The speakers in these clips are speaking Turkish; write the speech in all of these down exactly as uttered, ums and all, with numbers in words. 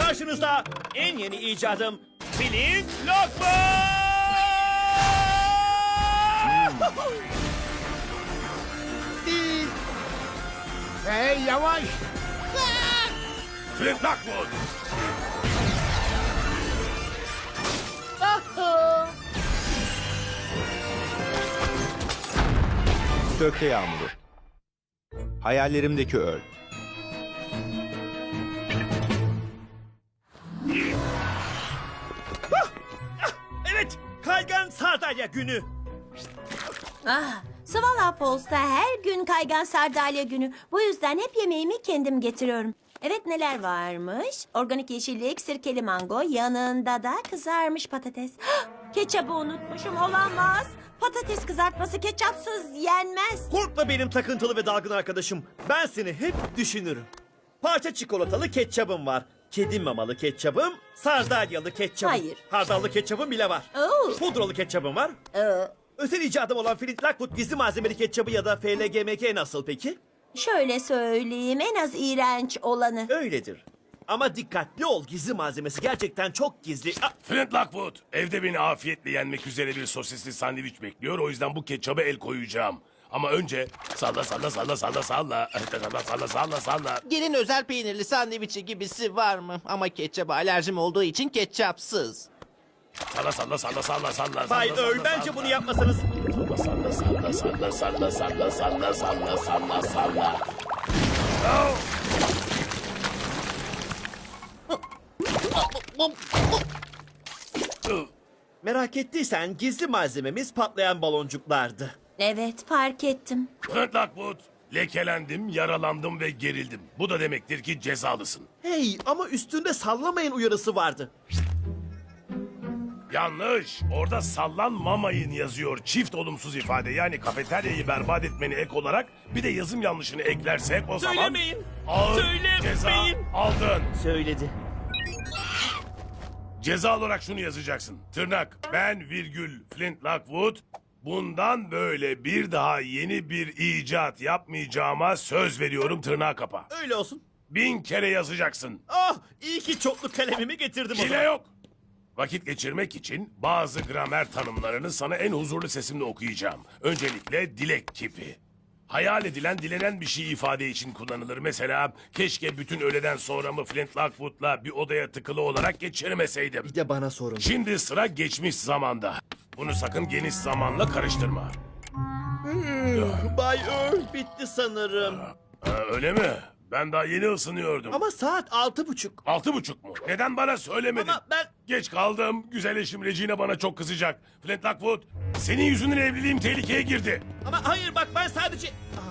Karşınızda en yeni icadım Flint Lockwood! Değil. Hey yavaş. Flint Lockwood! Gökte yağmuru. Hayallerimdeki öl. Evet, kaygan sardalya günü. Ah, Sıvala Post'ta her gün kaygan sardalya günü. Bu yüzden hep yemeğimi kendim getiriyorum. Evet, neler varmış? Organik yeşillik, sirkeli mango, yanında da kızarmış patates. Hah, ketçabı unutmuşum, olamaz. Patates kızartması ketçapsız yenmez. Korkma benim takıntılı ve dalgın arkadaşım. Ben seni hep düşünürüm. Parça çikolatalı ketçabım var. Kedi mamalı ketçabım, sardalyalı ketçabım. Hayır. Hardallı ketçabım bile var. Oo. Pudralı ketçabım var. Ee, Özel icadım olan Flint Lockwood gizli malzemeli ketçabı ya da F L G M K nasıl peki? şöyle söyleyeyim, en az iğrenç olanı. Öyledir. Ama dikkatli ol, gizli malzemesi gerçekten çok gizli. Ah, Flint Lockwood, evde beni afiyetle yenmek üzere bir sosisli sandviç bekliyor. O yüzden bu ketçaba el koyacağım. Ama önce salla salla salla salla salla salla salla salla salla. Gelin özel peynirli sandviçi gibisi var mı? Ama ketçaba alerjim olduğu için ketçapsız. Salla salla salla salla salla. Bay salla, Earl, salla, bence salla. bunu yapmasanız. Salla salla salla salla salla salla salla salla salla. Oh! Merak ettiysen gizli malzememiz patlayan baloncuklardı. Evet, fark ettim. Flint Lockwood, lekelendim, yaralandım ve gerildim. Bu da demektir ki cezalısın. Hey, ama üstünde sallamayın uyarısı vardı. Yanlış. Orada sallanmamayın yazıyor. Çift olumsuz ifade. Yani kafeteryayı berbat etmeni ek olarak bir de yazım yanlışını eklersek o zaman... Söylemeyin. Ağır Söylemeyin. ceza aldın. Söyledi. Ceza olarak şunu yazacaksın. Tırnak. Ben virgül Flint Lockwood. Bundan böyle bir daha yeni bir icat yapmayacağıma söz veriyorum, tırnağı kapa. Öyle olsun. Bin kere yazacaksın. Ah, iyi ki çoklu kalemimi getirdim o Hile zaman. yok. Vakit geçirmek için bazı gramer tanımlarını sana en huzurlu sesimle okuyacağım. Öncelikle dilek kipi. Hayal edilen, dilenen bir şey ifade için kullanılır. Mesela keşke bütün öğleden sonramı Flint Lockwood'la bir odaya tıkılı olarak geçirmeseydim. Bir de bana sorun. Şimdi sıra geçmiş zamanda. Bunu sakın geniş zamanla karıştırma. Bay Earl bitti sanırım. Ha, öyle mi? Ben daha yeni ısınıyordum. Ama saat altı buçuk. Altı buçuk mu? Neden bana söylemedin? Ama ben... Geç kaldım. Güzel eşim Regina bana çok kızacak. Flint Lockwood, senin yüzünden evliliğim tehlikeye girdi. Ama hayır bak ben sadece...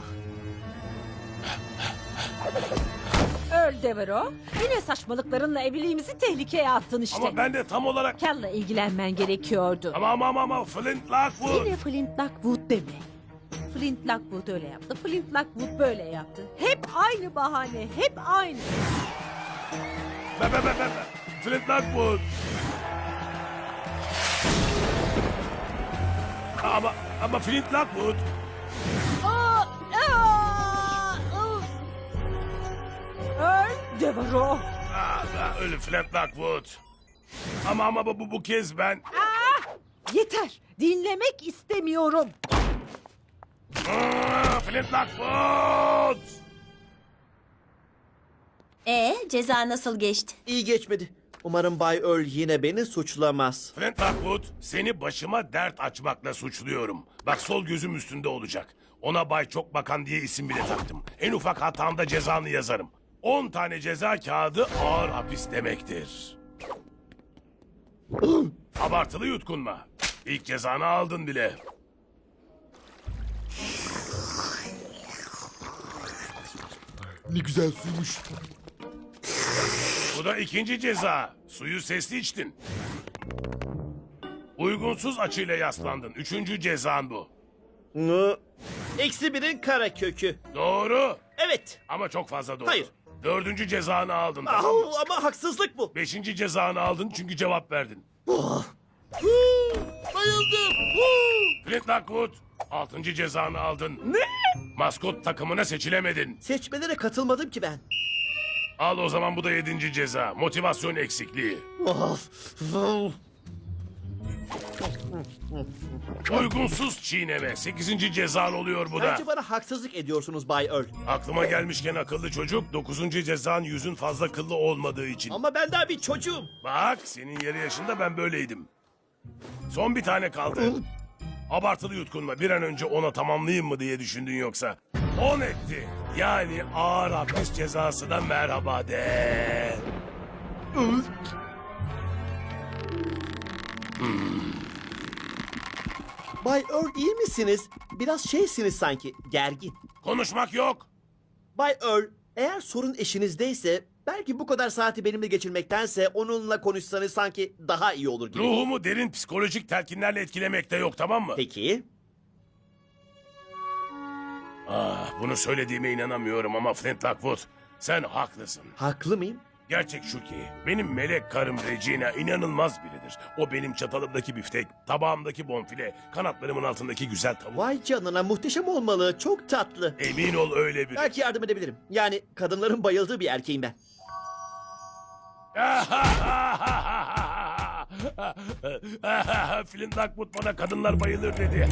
Ah, Öl Devero. Yine saçmalıklarınla evliliğimizi tehlikeye attın işte. Ama ben de tam olarak... Cal'la ilgilenmen gerekiyordu. Ama ama ama, ama Flint Lockwood. Yine Flint Lockwood deme. Flint Lockwood öyle yaptı. Flint Lockwood böyle yaptı. Hep aynı bahane. Hep aynı. Be, be, be, be, be. Flint Lockwood. Ama ama Flint Lockwood. Aa, aa, aa. Öl Devero. Aa, aa, ölü Flint Lockwood. Ama ama bu, bu, bu kez ben... Aa, yeter. Dinlemek istemiyorum. Aa, Flint Lockwood. E ceza nasıl geçti? iyi geçmedi. Umarım Bay Earl yine beni suçlamaz. Flint Lockwood, seni başıma dert açmakla suçluyorum. Bak sol gözüm üstünde olacak. Ona Bay Çok Bakan diye isim bile taktım. En ufak hatamda cezanı yazarım. On tane ceza kağıdı ağır hapis demektir. Abartılı yutkunma. İlk cezanı aldın bile. Ne güzel suymuş. Bu da ikinci ceza. Suyu sesli içtin. Uygunsuz açıyla yaslandın. Üçüncü cezan bu. Nı. Eksi birin kara kökü. Doğru. Evet. Ama çok fazla doğru. Hayır. Dördüncü cezanı aldın, tamam mı? Au, ama haksızlık bu. Beşinci cezanı aldın çünkü cevap verdin. Huu, bayıldım. Huu. Flint Lockwood, altıncı cezanı aldın. Ne? Maskot takımına seçilemedin. Seçmelere katılmadım ki ben. Al o zaman bu da yedinci ceza. Motivasyon eksikliği. Of. Of. Uygunsuz çiğneme. Sekizinci cezan oluyor bu da. Bence bana haksızlık ediyorsunuz Bay Earl. Aklıma gelmişken akıllı çocuk, dokuzuncu cezan yüzün fazla kıllı olmadığı için. Ama ben daha bir çocuğum. Bak, senin yarı yaşında ben böyleydim. Son bir tane kaldı. Abartılı yutkunma. Bir an önce ona tamamlayayım mı diye düşündün yoksa. On etti. Yani ağır hapis cezası da merhaba de. Bay Earl iyi misiniz? Biraz şeysiniz sanki, gergin. Konuşmak yok. Bay Earl, eğer sorun eşinizdeyse belki bu kadar saati benimle geçirmektense onunla konuşsanız sanki daha iyi olur gibi. Ruhumu derin psikolojik telkinlerle etkilemek de yok, tamam mı? Peki. Ah, bunu söylediğime inanamıyorum ama Flint Lockwood, sen haklısın. Haklı mıyım? Gerçek şu ki, benim melek karım Regina inanılmaz biridir. O benim çatalımdaki biftek, tabağımdaki bonfile, kanatlarımın altındaki güzel tavuk. Vay canına, muhteşem olmalı. Çok tatlı. Emin ol öyle biri. Belki yardım edebilirim. Yani kadınların bayıldığı bir erkeğim ben. Flint Lockwood bana kadınlar bayılır dedi.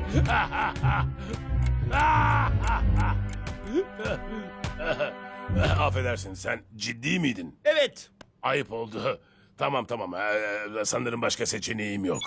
Affedersin, sen ciddi miydin? Evet. Ayıp oldu. Tamam tamam, ee, sanırım başka seçeneğim yok.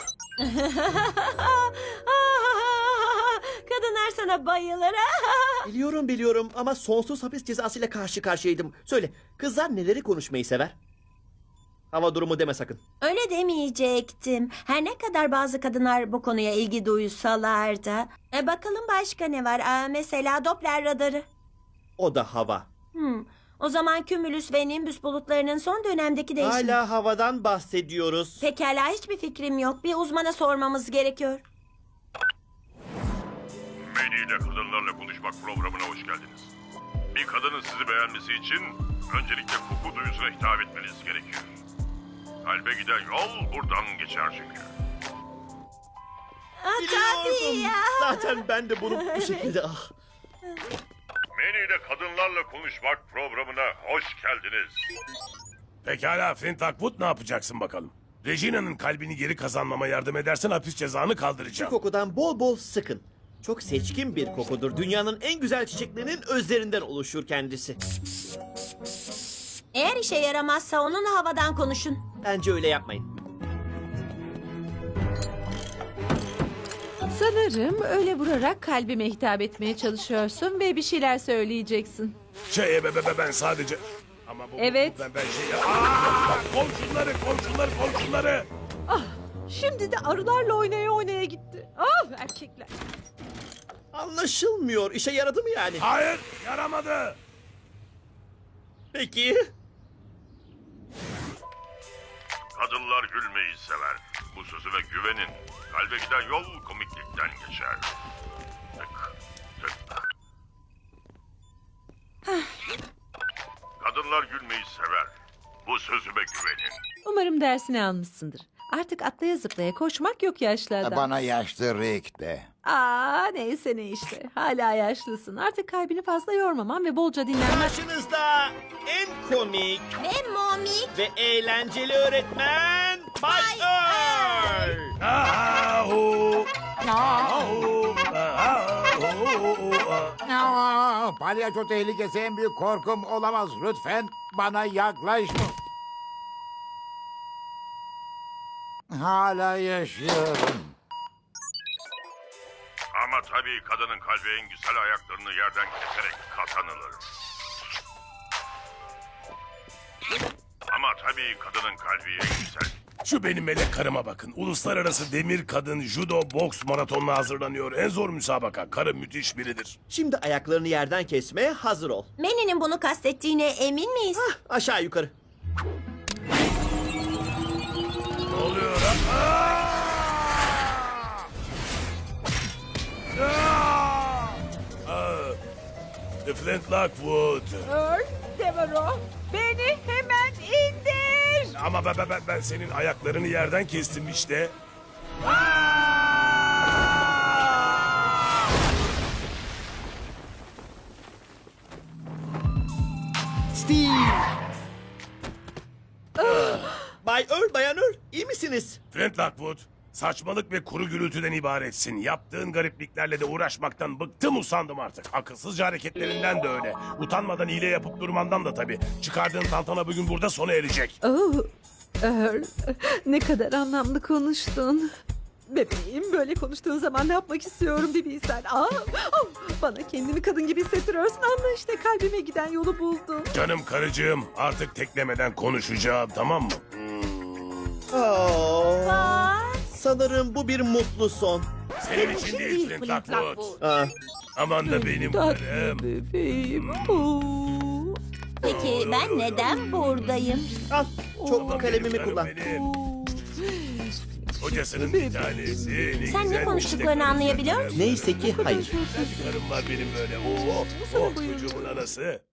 Kadınlar sana bayılır. Biliyorum biliyorum ama sonsuz hapis cezasıyla karşı karşıyaydım. Söyle, kızlar neleri konuşmayı sever? Hava durumu deme sakın. Öyle demeyecektim. Her ne kadar bazı kadınlar bu konuya ilgi duysalar da. E, bakalım başka ne var? Aa, mesela Doppler radarı. O da hava. Hmm. O zaman Cumulus ve Nimbus bulutlarının son dönemdeki değişimi. Hala havadan bahsediyoruz. Pekala, hiçbir fikrim yok. Bir uzmana sormamız gerekiyor. Manny ile kadınlarla konuşmak programına hoş geldiniz. Bir kadının sizi beğenmesi için öncelikle koku duyusuna hitap etmeniz gerekiyor. Kalbe giden yol buradan geçer çünkü. Aa, tabii Biliyordum. ya. Zaten ben de bunu bu şekilde... Ah. Manny ile kadınlarla konuşmak programına hoş geldiniz. Pekala Flint Lockwood, ne yapacaksın bakalım? Regina'nın kalbini geri kazanmama yardım edersen hapis cezanı Şu kaldıracağım. kokudan bol bol sıkın. Çok seçkin bir kokudur. Dünyanın en güzel çiçeklerinin özlerinden oluşur kendisi. Eğer işe yaramazsa onunla havadan konuşun. Bence öyle yapmayın. Sanırım öyle vurarak kalbime hitap etmeye çalışıyorsun ve bir şeyler söyleyeceksin. Şey be, be, be, ben sadece... Ama bu, Evet. bu- ben, ben şey... Aa, komşuları, komşuları, komşuları! Şimdi de arılarla oynaya oynaya gitti. Ah erkekler. Anlaşılmıyor. İşe yaradı mı yani? Hayır, yaramadı. Peki. Kadınlar gülmeyi sever. Bu sözüme güvenin. Kalbe giden yol komiklikten geçer. Tık, tık. Kadınlar gülmeyi sever. Bu sözüme güvenin. Umarım dersini almışsındır. Artık atlaya zıplaya koşmak yok yaşlı adam. Bana yaşlı Rick de. Aa neyse ne işte. Hala yaşlısın. Artık kalbini fazla yormaman ve bolca dinlenmen. Karşınızda en komik Ve momik. ve eğlenceli öğretmen Bay Earl. Ahu! Ahu! Ahu! Aa, palyaço tehlikesi en büyük korkum olamaz. Lütfen bana yaklaşma. Hala yaşıyorum. Ama tabii kadının kalbi en güzel ayaklarını yerden keserek kazanılır. Ama tabii kadının kalbi en güzel. Şu benim melek karıma bakın. Uluslararası demir kadın judo boks maratonuna hazırlanıyor. En zor müsabaka. Karı müthiş biridir. Şimdi ayaklarını yerden kesmeye hazır ol. Manny'nin bunu kastettiğine emin miyiz? Aşağı yukarı. Ne oluyor? Aa! Aa! Aa! Flint Lockwood. Earl, Devereaux, beni hemen indir. Ama ben, ben, ben senin ayaklarını yerden kestim işte. Steve! Bay Earl, Bayan Earl, iyi misiniz? Flint Lockwood, saçmalık ve kuru gürültüden ibaretsin. Yaptığın garipliklerle de uğraşmaktan bıktım usandım artık. Akılsızca hareketlerinden de öyle. Utanmadan hile yapıp durmandan da tabii. Çıkardığın tantana bugün burada sona erecek. Oh, Earl, ne kadar anlamlı konuştun. Bebeğim, böyle konuştuğun zaman ne yapmak istiyorum bir bilsen. Aa, oh, bana kendimi kadın gibi hissettiriyorsun. Anla işte, kalbime giden yolu buldum. Canım karıcığım, artık teklemeden konuşacağım, tamam mı? Aa, Bak. sanırım bu bir mutlu son. Senin için değil Flint Lockwood. Aa, Aman da benim Tatlı karım. bebeğim. Oo. Peki ben neden buradayım? al, çok Aman kalemimi benim karım kullan. benim. Kocasının bir tanesi. Ne Sen ne güzel konuştuklarını işte karım anlayabiliyor benim. musun? Neyse ki hayır. Güzel bir karım var benim böyle. Oo, oh, çocuğumun anası.